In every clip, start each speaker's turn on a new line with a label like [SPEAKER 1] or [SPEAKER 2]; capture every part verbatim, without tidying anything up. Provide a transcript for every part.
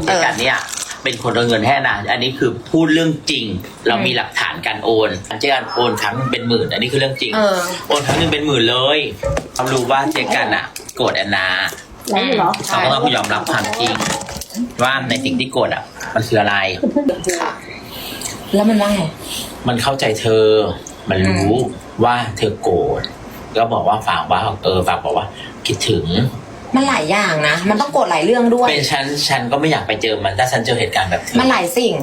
[SPEAKER 1] เจกันเนี่ยเป็นคนโอนเงินให้นะอันนี้คือพูดเรื่องจริงเรามีหลักฐานการโอนเจกันโอนครั้งเป็นหมื่นอันนี้คือเรื่องจริงโอนครั้งนึงเป็นหมื่นเลยเขารู้ว่าเจกันอ่ะโกรธแอนนาเขาก็ต้องยอมรับความจริงว่าในสิ่งที่โกรธอ่ะมันคืออะไร
[SPEAKER 2] แล้วมันว่าไง
[SPEAKER 1] มันเข้าใจเธอมันรู้ว่าเธอโกรธก็บอกว่าฝากว่าเออฝากบอกว่าคิดถึง
[SPEAKER 2] มันหลายอย่างนะมันต้องโกรธหลายเรื่องด้วย
[SPEAKER 1] เป็นฉันฉันก็ไม่อยากไปเจอมันถ้าฉันเจอเหตุการณ์แบบ
[SPEAKER 2] มันหลายสิ่ง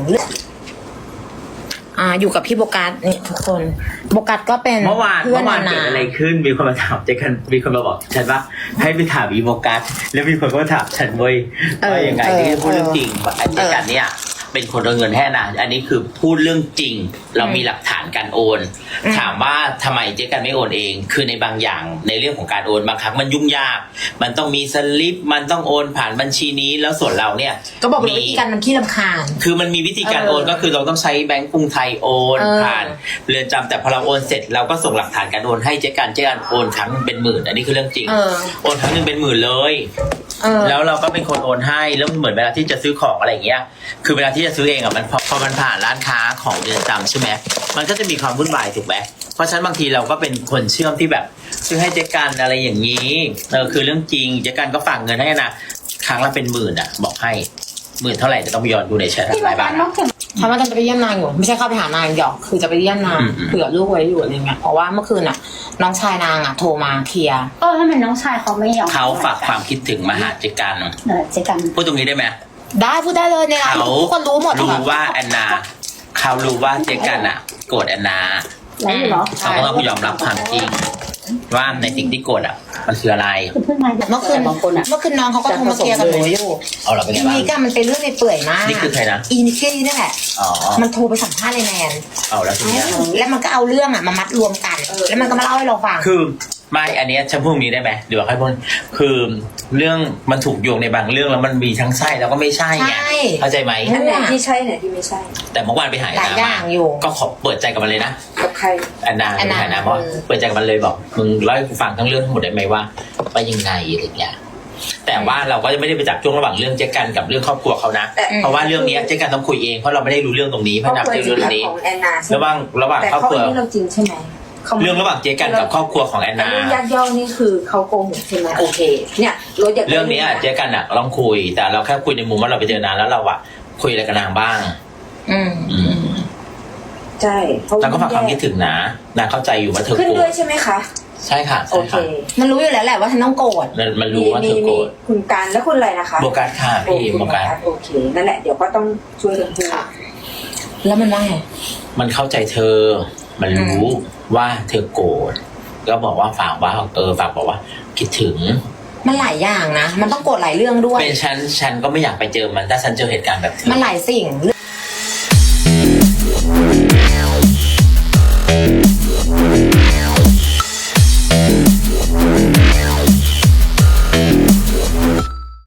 [SPEAKER 2] อ่าอยู่กับพี่โบกัสนี่ทุกคนโบกัสก็เป็น
[SPEAKER 1] เมื่อวานเมื่อวานเกิดอะไรขึ้นมีคนมาถามเจกันมีคนมาบอกฉันว่าให้ไปถามอีโบกัสแล้วมีคนก็ถามฉันเว้ยว่ายังไงที่พูดเรื่องจริงเจกันเนี่ยเป็นคนโอนเงินให้นะอันนี้คือพูดเรื่องจริงเรามีหลักฐานการโอนถามว่าทำไมเจ๊กันไม่โอนเองคือในบางอย่างในเรื่องของการโอนบางครั้งมันยุ่งยากมันต้องมีสลิปมันต้องโอนผ่านบัญชีนี้แล้วส่วนเราเนี่ย
[SPEAKER 2] ก็บอกเลยวิธีการมันขี้รำคาญ
[SPEAKER 1] คือมันมีวิธีการโอนก็คือเราต้องใช้แบงก์กรุงไทยโอนผ่านเรือนจำแต่พอเราโอนเสร็จเราก็ส่งหลักฐานการโอนให้เจ๊กันเจ๊กันโอนครั้งเป็นหมื่นอันนี้คือเรื่องจริงโอนครั้งนึงเป็นหมื่นเลยแล้วเราก็เป็นคนโอนให้แล้วเหมือนเวลาที่จะซื้อของอะไรอย่างเงี้ยคือเวลาที่จะซื้อเองอ่ะมันพอมันผ่านร้านค้าของเรือนจำใช่ไหมมันก็จะมีความวุ่นวายถูกไหมเพราะฉะนั้นบางทีเราก็เป็นคนเชื่อมที่แบบซื้อให้เจ๊กันอะไรอย่างนี้เออคือเรื่องจริงเจ๊กันก็ฝากเงินให้นะครั้งละเป็นหมื่นอ่ะบอกให้หมื่นเท่าไหร่จะต้องไปย้อนดูในแชทอะไรบ้าง
[SPEAKER 2] เขาว่าจะไปเยี่ยมนางอยู่ไม่ใช่เข้าไปหานางหยอกคือจะไปเยี่ยมนางเผื่อลูกไว้อยู่อะไรเงี้ยเพราะว่าเมื่อคืนอ่ะน้องชายนางอ่ะโทรมาเคลียร์
[SPEAKER 3] เออทำไมน้องชายเขาไม่ยอม
[SPEAKER 1] เขาฝากความคิดถึงมาหาเจ๊กัน
[SPEAKER 3] เจ๊กัน
[SPEAKER 1] พูดตรงนี้ได้ไหม
[SPEAKER 2] ได้พูดได้เลยเนี่ยทุกคนรู้หมด
[SPEAKER 1] รู้ว่าแอนนาเขารู้ว่าเจ๊กันอ่ะโกรธแอนนาเขาก็ต้องยอมรับความจริงว่าในสิ่งที่โกรธอ่ะมันคืออะไร
[SPEAKER 2] เมื่อคืนเมื่อคืนน้องเขาก็โทรมาเคลียร์กับหนูอยู่อีนิก้ามันเป็นเรื่องในเปื่อยมาก
[SPEAKER 1] นี่คือใครนะ
[SPEAKER 2] อีนิก้นี่แหละมันโทรไปสัมภาษณ์ในแมน
[SPEAKER 1] เอาแล้วทีนี้
[SPEAKER 2] แล้วมันก็เอาเรื่องอ่ะมามัดรวมกันแล้วมันก็มาเล่าให้เราฟัง
[SPEAKER 1] คือไม่อันนี้ฉันพูดนี้ได้ไหมเดี๋ยวให้พูดคือเรื่องมันถูกโยงในบางเรื่องแล้วมันมีทั้งใช่แล้วก็ไม่ใช่ไงเข้าใจไหม
[SPEAKER 3] อันไหนที่ใช่ไหนที่ไม่ใช่
[SPEAKER 1] แต่เมื่อวานไปหาแอนนามาก็ขอเปิดใจกับมันเลยนะ
[SPEAKER 3] กับใคร
[SPEAKER 1] แอนนาไปหาแอนนาเพราะเปิดใจกับมันเลยบอกมึงเล่าให้กูฟังทั้งเรื่องทั้งหมดได้ไหมว่าว่ายังไงอะไรเงี้ยแต่ว่าเราก็จะไม่ได้ไปจับจ้วงระหว่างเรื่องเจ๊กันกับเรื่องครอบครัวเขานะเพราะว่าเรื่องนี้เจ๊กันต้องคุยเองเพราะเราไม่ได้รู้เรื่องตรงนี้เพราะนับเรื่องนี้ระหว่างระหว่างครอบครัว
[SPEAKER 3] เราจริงใช่ไหม
[SPEAKER 1] เรื่องระหว่างเจ๊กันกับครอบครัวของแอนนา
[SPEAKER 3] เรื่องยักย่อนี่คือเขาโกหกใช่ไหมโอเคเนี่ย
[SPEAKER 1] เรื่องนี้เจ๊กันอะลองคุยแต่เราแค่คุยในมุมว่าเราไปเจอนานแล้วเราอะคุยอะไรกับนางบ้าง
[SPEAKER 2] อืม
[SPEAKER 1] อืม
[SPEAKER 3] ใช่
[SPEAKER 1] นางก็ฝากความคิดถึงนะนางเข้าใจอยู่ว่าเธอโกรธ
[SPEAKER 3] ขึ้นด้วยใช่ไหมคะ
[SPEAKER 1] ใช่ค่ะ
[SPEAKER 3] โอเค
[SPEAKER 2] มันรู้อยู่แล้วแหละว่าฉันต้องโกรธ
[SPEAKER 1] มันรู้ว่าเธอโกรธ
[SPEAKER 3] คุณการแล้วคุณอะไรนะคะ
[SPEAKER 1] โบกัสค่ะพี่โบกัส
[SPEAKER 3] โอเคนั่นแหละเดี๋ยวก็ต้องช่วยกันพูด
[SPEAKER 2] แล้วมันว่าไง
[SPEAKER 1] มันเข้าใจเธอมันรู้ว่าเธอโกรธก็บอกว่าฝากว่าเออฝากบอกว่าคิดถึง
[SPEAKER 2] มันหลายอย่างนะมันต้องโกรธหลายเรื่องด้วย
[SPEAKER 1] เป็นฉันฉันก็ไม่อยากไปเจอมันถ้าฉันเจอเหตุการณ์แบบ
[SPEAKER 2] มันหลายสิ่ง